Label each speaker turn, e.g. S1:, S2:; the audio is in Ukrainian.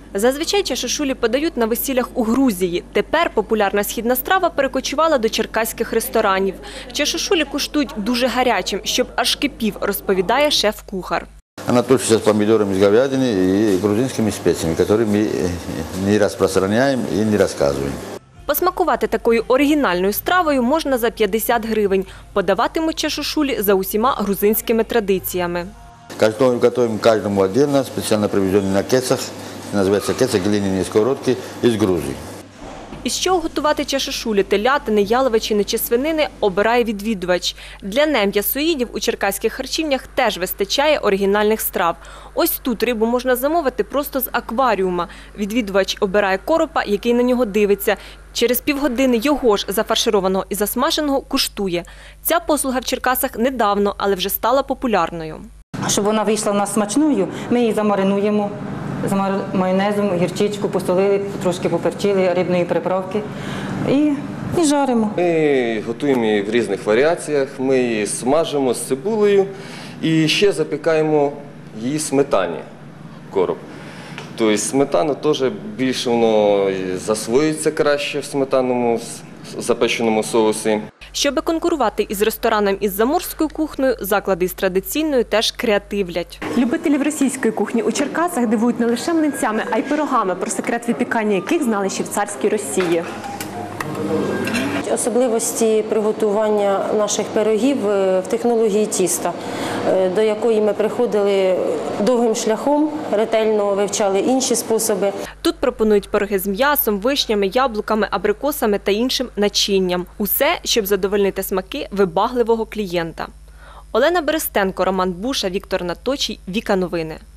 S1: Зазвичай чашошулі подають на весіллях у Грузії. Тепер популярна східна страва перекочувала до черкаських ресторанів. Чашошулі куштують дуже гарячим, щоб аж кипів, розповідає шеф-кухар.
S2: Она тушится с помидорами, с говядиной и грузинскими специями, которые мы не распространяем и не рассказываем.
S1: Посмакувати такою оригінальною стравою можна за 50 гривень. Подаватимуть чашошулі за усіма грузинськими традиціями.
S2: Готовим каждому отдельно, специально привезенный на кецах. Называется кеца, глиняные сковородки из Грузии.
S1: Із чого готувати чашошулі, телятини, яловичини чи свинини обирає відвідувач. Для нем'ясоїдів у черкаських харчівнях теж вистачає оригінальних страв. Ось тут рибу можна замовити просто з акваріума. Відвідувач обирає коропа, який на нього дивиться. Через півгодини його ж зафаршированого і засмаженого куштує. Ця послуга в Черкасах недавно, але вже стала популярною.
S3: Щоб вона вийшла в нас смачною, ми її замаринуємо. З майонезом, гірчичку посолили, трошки поперчили, рибної приправки і жаримо.
S4: Ми готуємо її в різних варіаціях, ми її смажимо з цибулею і ще запікаємо її в сметані, короб. Тобто сметана теж більше воно засвоюється краще в сметанному запеченому соусі.
S1: Щоби конкурувати із рестораном із заморською кухнею, заклади із традиційною теж креативлять.
S5: Любителів російської кухні у Черкасах дивують не лише млинцями, а й пирогами, про секрет випікання яких знали ще в царській Росії.
S6: Особливості приготування наших пирогів в технології тіста, до якої ми приходили довгим шляхом, ретельно вивчали інші способи.
S1: Тут пропонують пироги з м'ясом, вишнями, яблуками, абрикосами та іншим начинням. Усе, щоб задовольнити смаки вибагливого клієнта. Олена Берестенко, Роман Буша, Віктор Наточій, Віка Новини.